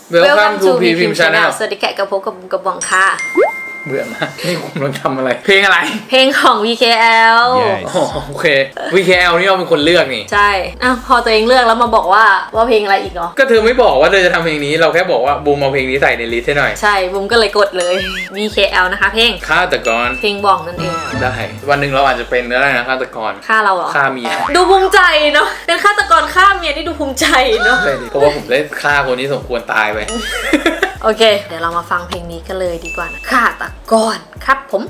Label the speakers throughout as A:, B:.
A: Welcome to PPM Channel
B: สวัสดีแขกกับพบกับกระบองค่ะ
A: เบื่อมากนี่คุณกำลังทำอะไรเพลงอะไร
B: เพลงของ VKL
A: โอเค VKL นี่เราเป็นคนเลือกนี่
B: ใช่พอตัวเองเลือกแล้วมาบอกว่าเพลงอะไรอีกเหรอ
A: ก็เธอไม่บอกว่าเธอจะทำเพลงนี้เราแค่บอกว่าบูมเอาเพลงนี้ใส่ในลิสต์ให้หน่อย
B: ใช่บูมก็เลยกดเลย VKL นะคะเพลง
A: ฆาตกร
B: เพลงบอกนั่นเอง
A: ได้วันหนึ่งเราอาจจะเป็นอะไรนะฆาตกร
B: ฆ่าเราเหรอ
A: ฆ่าเมีย
B: ดูภูมิใจเนาะเป็นฆาตกรฆ่าเมียนี่ดูภูมิใจเนาะ
A: เพราะว่าผมได้ฆ่าคนที่สมควรตายไป
B: โอเคเดี๋ยวเรามาฟังเพลงนี้กันเลยดีกว่านะฆาตกรครับผม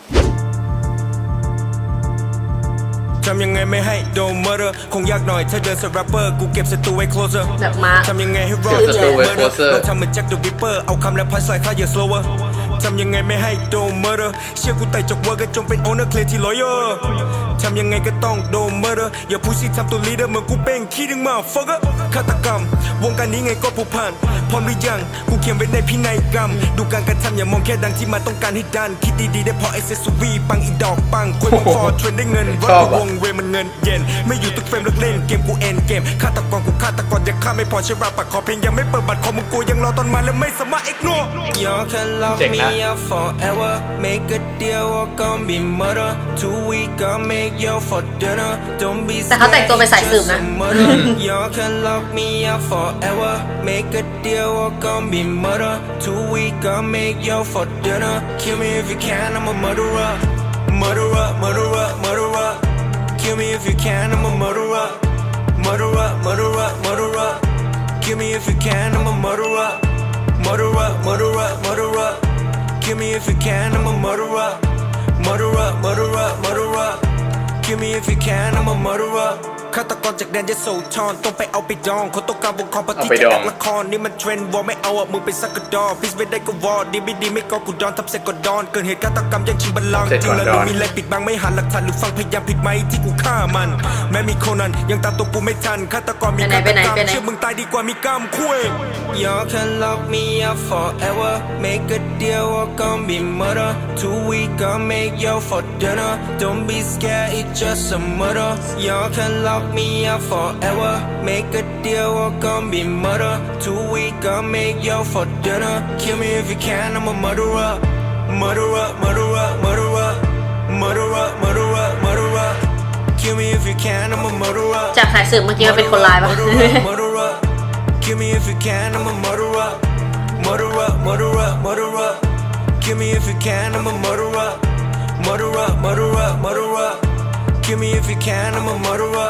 C: ทำยังไงไม่ให้โดน murder คงยากหน่อยถ้าเดินสแรปเปอร์กูเก็บศัตรูไว้ closer
B: แบบมา
C: ทำยังไงให้รอดจาก murder เราทำเหมือนแจ็คเดอะริปเปอร์เอาคำและพันสายค่าอย่า slower ทำยังไงไม่ให้โดน murder เชื่อกูไต่จากเวอร์ก็จงเป็น owner clear ที่ lawyer ทำยังไงก็ต้องโดน murder อย่าพูดสิทำตัว leader เหมือนกูเป็นขี้ดึงมา fucker ฆาตกรรมวงการนี้ไงก็ผูกพันพร้อมหรือยังกูเขียนไว้ในพินัยกรรมดูการกระทำอย่ามองแค่ดังที่มาต้องการให้ดันคิดดีๆได้พอ accessory ปังอีดอกปังกล้วยมังฟอเทรนได้เงินวัดวงเวมันเงินเย็นไม่อยู่ทุกเฟรมเลิกเล่นเกมกูเอ็นเกมฆาตกรกูฆาตกรยังฆ่าไม่พอใช่ราปากขอเพลงยังไม่เปิดบัตรคอมึงกูยังรอตอนมาแล้วไม่สามารถ ignore You can love me up forever make a deal or gon' be murder 2 week I'll make you for dinner don't be
B: แต่เขาแต่งตัวเป็นสายสืบนะ
C: You can love me up forever make a deal or gon' be murder 2 week I'll make you for dinner kill me if you can I'm a murderer murderer murderer murderer Kill me if you can, I'm a murderer. Murderer, murderer, murderer. Kill me if you can, I'm a murderer. Murderer, murderer, murderer. Kill me if you can, I'm a murderer. Murderer, murderer, murderer. Kill me if you can, I'm a murderer. ฆาตกรจากแดนยโสธรต้องไปเอาไปดองคนต้องการวงคอปฏิจะดักละครนี่มันเทรนด์วอลไม่เอามึงเป็นซักกระดอพิสไม่ได้ก็วอดีไม่ดีไม่ก็กูดอนทับเสกก็ดอนเกิดเหตุฆาตกรรมยังชิงบัลลังก์จริงแล้วมีอะไรปิดบังไม่หันหลักฐานหรือฟังพยายามผิดไหมที่กูฆ่ามันแม้มีโคนันยังตามตัวกูไม่ทันฆาตกรมีฆาตกรรมเชื่อมึงตายดีกว่ามีกรรมคุย You can lock me up forever make a deal or gon' be murder 2 week I'll make you for dinner don't be scared it's just a murder You can lock me up forever make a deal or gon' be murder 2 week I'll make you for dinner kill me if you can I'm a murderer murderer murderer murderer murderer murderer murderer kill me if you can I'm a murderer
B: จากสายสืบเมื่อกี้มันเป็นคนร้ายปะ
C: murderer kill me if you can I'm a murderer murderer murderer murderer kill me if you can I'm a murderer murderer murderer murderer kill me if you can I'm a murderer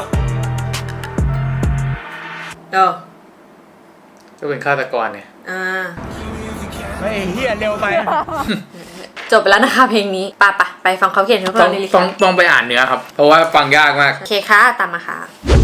A: ก็เป็นฆาตกรเนี่ย
C: ไม่เฮียเร็วไป
B: จบไปแล้วนะคะเพลงนี้ไปฟังเขาเขียนเพื่อนในลิสต์
A: ต้องไปอ่านเนื้อครับเพราะว่าฟังยากมาก
B: โอเคค่ะตามมาค่ะ